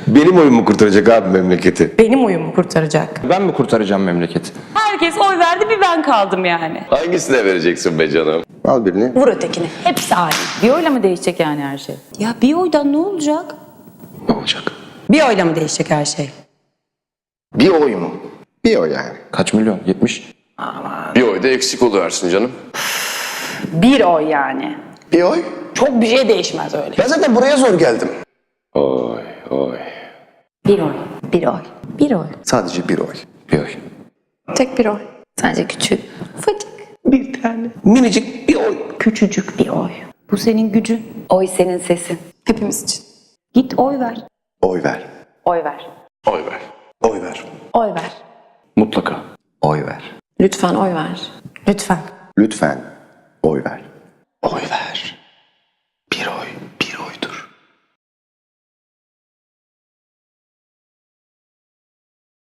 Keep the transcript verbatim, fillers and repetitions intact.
Benim oyun mu kurtaracak abi memleketi? Benim oyumu kurtaracak. Ben mi kurtaracağım memleketi? Herkes oy verdi, bir ben kaldım yani. Hangisine vereceksin be canım? Al birini. Vur ötekini. Hepsi aynı. Bir oyla mı değişecek yani her şey? Ya bir oydan ne olacak? Ne olacak? Bir oyla mı değişecek her şey? Bir oy mu? Bir oy yani. Kaç milyon? yetmiş. Bir oy da eksik oluversin canım. Bir oy yani. Bir oy? Çok bir şey değişmez öyle. Ben zaten buraya zor geldim. Oy oy. Bir oy. Bir oy. Bir oy. Sadece bir oy. Bir oy. Tek bir oy. Sence küçük. Ufacık. Bir tane. Minicik bir oy. Küçücük bir oy. Bu senin gücün. Oy senin sesin. Hepimiz için. Git oy ver. Oy ver. Oy ver. Oy ver. Oy ver. Oy ver. Mutlaka. Oy ver. Lütfen oy ver. Lütfen. Lütfen oy ver. Oy ver.